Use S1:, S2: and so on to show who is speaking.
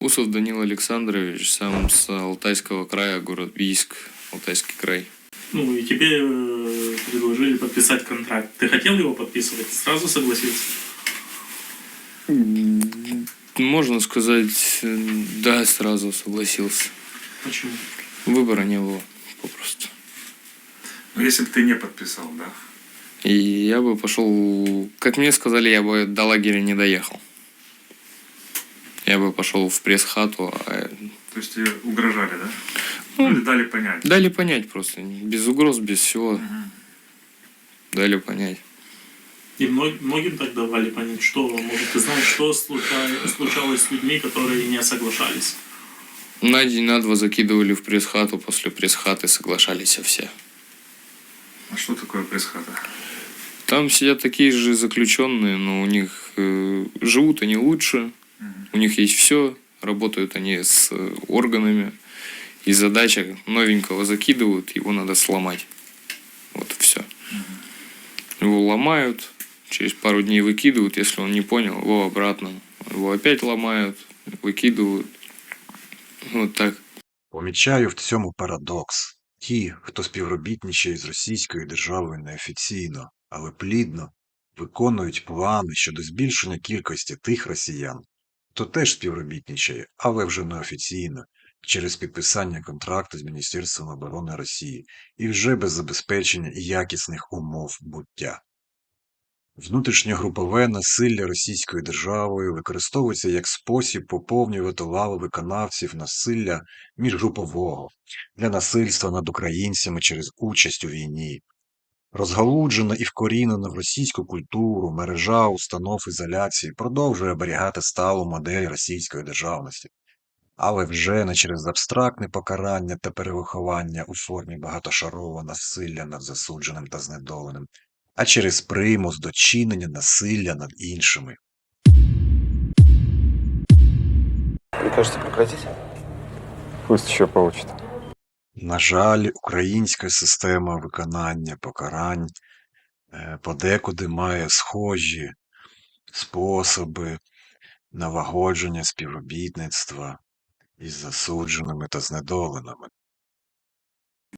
S1: Усов Данил Александрович, сам с Алтайского края, город Бийск, Алтайский край.
S2: Ну и тебе предложили подписать контракт. Ты хотел его подписывать? Сразу согласился?
S1: Можно сказать, да, сразу согласился.
S2: Почему?
S1: Выбора не было, попросту.
S3: Ну, если бы ты не подписал, да?
S1: И я бы пошел, как мне сказали, я бы до лагеря не доехал. Я бы пошел в пресс-хату.
S3: То есть тебе угрожали, да?
S1: Ну,
S3: или дали понять?
S1: Дали понять просто. Без угроз, без всего. Дали понять.
S2: И многим так давали понять, что, может, ты знаешь, что случалось с людьми, которые не соглашались?
S1: На день, на два закидывали в пресс-хату, после пресс-хаты соглашались все.
S3: А что такое пресс-хата?
S1: Там сидят такие же заключенные, но у них живут они лучше, у них есть все, работают они с органами, и задача новенького закидывают, его надо сломать. Вот и все. Его ломают, через пару дней выкидывают, если он не понял, его обратно. Его опять ломают, викидують. Вот так.
S4: Помічаю в цьому парадокс. Ті, хто співробітничає з російською державою неофіційно, але плідно, виконують плани щодо збільшення кількості тих росіян, хто теж співробітничає, але вже неофіційно, через підписання контракту з Міністерством оборони Росії і вже без забезпечення якісних умов буття. Внутрішньогрупове насилля Російською державою використовується як спосіб поповнювати лави виконавців насилля міжгрупового для насильства над українцями через участь у війні. Розгалуджена і вкорінена в російську культуру мережа установ ізоляції продовжує оберігати сталу модель російської державності, але вже не через абстрактне покарання та перевиховання у формі багатошарового насилля над засудженим та знедоленим, а через примус до чинення насилля над іншими.
S5: Прикажете прекратить? Пусть еще получит.
S4: На жаль, українська система виконання покарань подекуди має схожі способи налагодження співробітництва із засудженими та знедоленими.